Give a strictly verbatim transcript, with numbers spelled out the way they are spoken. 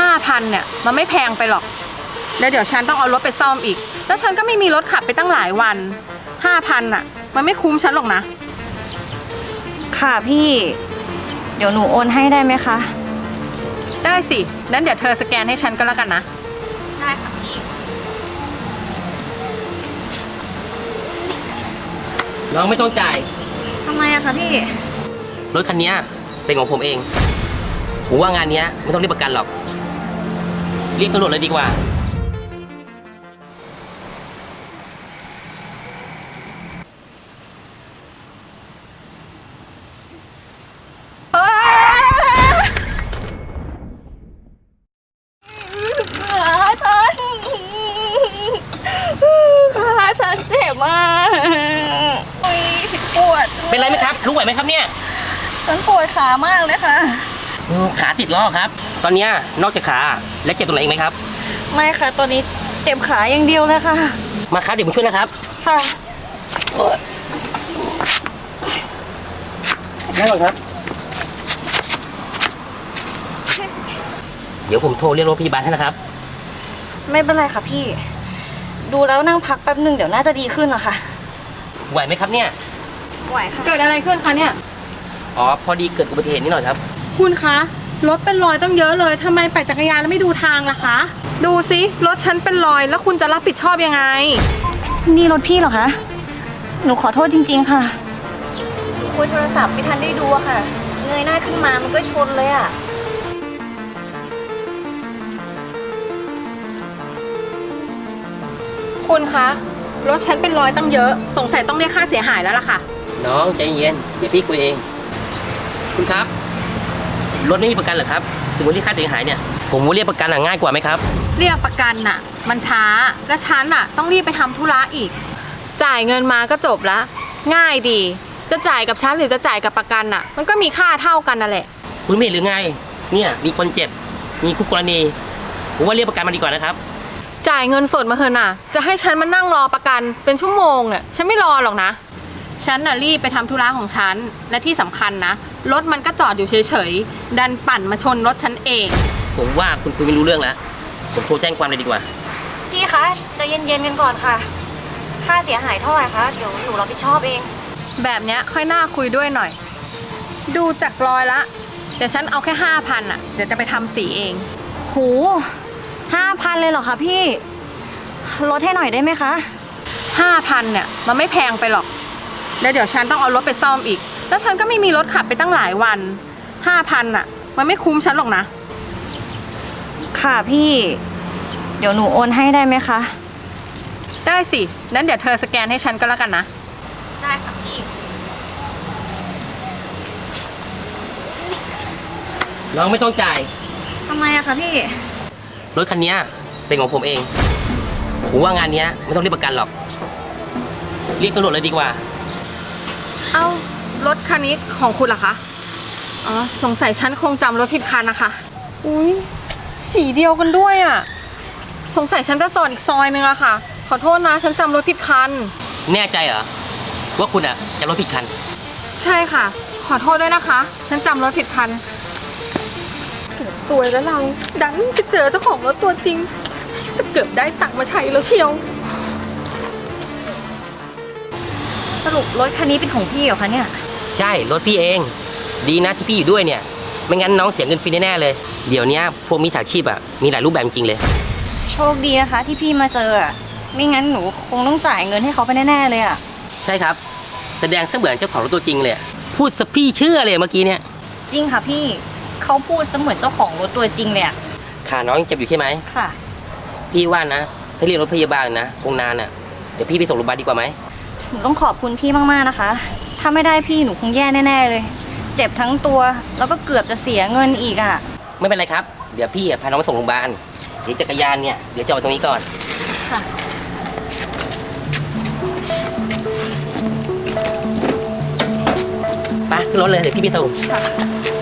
าพันเนี่ยมันไม่แพงไปหรอกแล้วเดี๋ยวฉันต้องเอารถไปซ่อมอีกแล้วฉันก็ไม่มีรถขับไปตั้งหลายวันห้าพันอ่ะมันไม่คุ้มฉันหรอกนะค่ะพี่เดี๋ยวหนูโอนให้ได้ไหมคะได้สินั้นเดี๋ยวเธอสแกนให้ฉันก็แล้วกันนะได้ค่ะพี่น้องไม่ต้องจ่ายทำไมอะคะพี่รถคันนี้เป็นของผมเองผมว่างานนี้ไม่ต้องเรียกประกันหรอกเรียกตำรวจเลยดีกว่าขาฉันเจ็บมากปวดเป็นไรไหมครับรู้ไหวไหมครับเนี่ยฉันปวดขามากเลยค่ะขาติดล้อครับตอนนี้นอกจากขาและเจ็บตรงไหนอีกไหมครับไม่ค่ะตอนนี้เจ็บขาอย่างเดียวเลยค่ะมาครับเดี๋ยวผมช่วยนะครับค่ะนั่งก่อนครับเดี๋ยวผมโทรเรียกรถพยาบาลให้นะครับไม่เป็นไรค่ะพี่ดูแล้วนั่งพักแป๊บหนึ่งเดี๋ยวน่าจะดีขึ้นอะค่ะไหวไหมครับเนี่ยไหวค่ะเกิดอะไรขึ้นคะเนี่ยอ๋อพอดีเกิดอุบัติเหตุนิดหน่อยครับคุณคะรถเป็นรอยตั้งเยอะเลยทำไมปั่นจักรยานแล้วไม่ดูทางล่ะคะดูสิรถฉันเป็นรอยแล้วคุณจะรับผิดชอบยังไงนี่รถพี่เหรอคะหนูขอโทษจริงๆค่ะคุยโทรศัพท์ไม่ทันได้ดูอะค่ะเงยหน้าขึ้นมามันก็ชนเลยอะคุณคะรถฉันเป็นรอยตั้งเยอะสงสัยต้องเรียกค่าเสียหายแล้วล่ะค่ะน้องใจเย็นเดี๋ยวพี่คุยเองคุณครับรถไม่มีประกันเหรอครับถึงว่าเรียกค่าเสียหายเนี่ยผมว่าเรียกประกันอะง่ายกว่าไหมครับเรียกประกันน่ะมันช้าและฉันน่ะต้องรีบไปทำธุระอีกจ่ายเงินมาก็จบละง่ายดีจะจ่ายกับฉันหรือจะจ่ายกับประกันน่ะมันก็มีค่าเท่ากันนั่นแหละคุณไม่เห็นหรือไงเนี่ยมีคนเจ็บมีคู่กรณีผมว่าเรียกประกันมาดีกว่านะครับจ่ายเงินสดมาเถอะน่ะจะให้ฉันมานั่งรอประกันเป็นชั่วโมงเนี่ยฉันไม่รอหรอกนะฉันน่ะรีบไปทำธุระของฉันและที่สำคัญนะรถมันก็จอดอยู่เฉยๆดันปั่นมาชนรถฉันเองผมว่าคุณคุยไม่รู้เรื่องแล้วผมโทรแจ้งความเลยดีกว่าพี่คะใจเย็นๆกันก่อนค่ะค่าเสียหายเท่าไหร่คะเดี๋ยวหนูรับผิดชอบเองแบบเนี้ยค่อยน่าคุยด้วยหน่อยดูจากรอยละเดี๋ยวฉันเอาแค่ห้าพันอ่ะเดี๋ยวจะไปทำสีเองโหห้าพันเลยเหรอคะพี่ลดให้หน่อยได้ไหมคะห้าพันเนี่ยมันไม่แพงไปหรอกแล้วเดี๋ยวฉันต้องเอารถไปซ่อมอีกแล้วฉันก็ไม่มีรถขับไปตั้งหลายวันห้าพันอ่ะมันไม่คุ้มฉันหรอกนะค่ะพี่เดี๋ยวหนูโอนให้ได้ไหมคะได้สินั้นเดี๋ยวเธอสแกนให้ฉันก็แล้วกันนะได้ค่ะพี่น้องไม่ต้องจ่ายทำไมอะคะพี่รถคันนี้เป็นของผมเองผมว่างานนี้ไม่ต้องเรียกประกันหรอกเรียกตำรวจเลยดีกว่าเอ้ารถคันนี้ของคุณเหรอคะอ๋อสงสัยฉันคงจำรถผิดคันนะคะอุ้ยสีเดียวกันด้วยอ่ะสงสัยฉันจะจอดอีกซอยนึงอะค่ะขอโทษนะฉันจำรถผิดคันแน่ใจเหรอว่าคุณอะจำรถผิดคันใช่ค่ะขอโทษด้วยนะคะฉันจำรถผิดคันเกือบซวยแล้วเราดันไปเจอเจ้าของรถตัวจริงจะเกือบได้ตังค์มาใช้แล้วเชียวสรุปรถคันนี้เป็นของพี่เหรอคะเนี่ยใช่รถพี่เองดีนะที่พี่อยู่ด้วยเนี่ยไม่งั้นน้องเสียเงินฟรีแน่ๆเลยเดี๋ยวนี้พวกมิจฉาชีพอะมีหลายรูปแบบจริงเลยโชคดีนะคะที่พี่มาเจออะไม่งั้นหนูคงต้องจ่ายเงินให้เขาไปแน่ๆเลยอะใช่ครับแสดงเสมือนเจ้าของรถตัวจริงเลยพูดสพี่เชื่อเลยเมื่อกี้เนี่ยจริงค่ะพี่เขาพูดเสมือนเจ้าของรถตัวจริงเลยอะขาน้องยังเจ็บอยู่ใช่ไหมค่ะพี่ว่านะถ้าเรียกรถพยาบาลนะคงนานอะเดี๋ยวพี่ไปส่งโรงพยาบาลดีกว่าไหมหนูต้องขอบคุณพี่มากๆนะคะถ้าไม่ได้พี่หนูคงแย่แน่ๆเลยเจ็บทั้งตัวแล้วก็เกือบจะเสียเงินอีกอะไม่เป็นไรครับเดี๋ยวพี่พาน้องไปส่งโรงพยาบาลเดี๋ยวจักรยานเนี่ยเดี๋ยวจอดตรงนี้ก่อนค่ะไปขึ้นรถเลยเดี๋ยวพี่ไปส่งค่ะ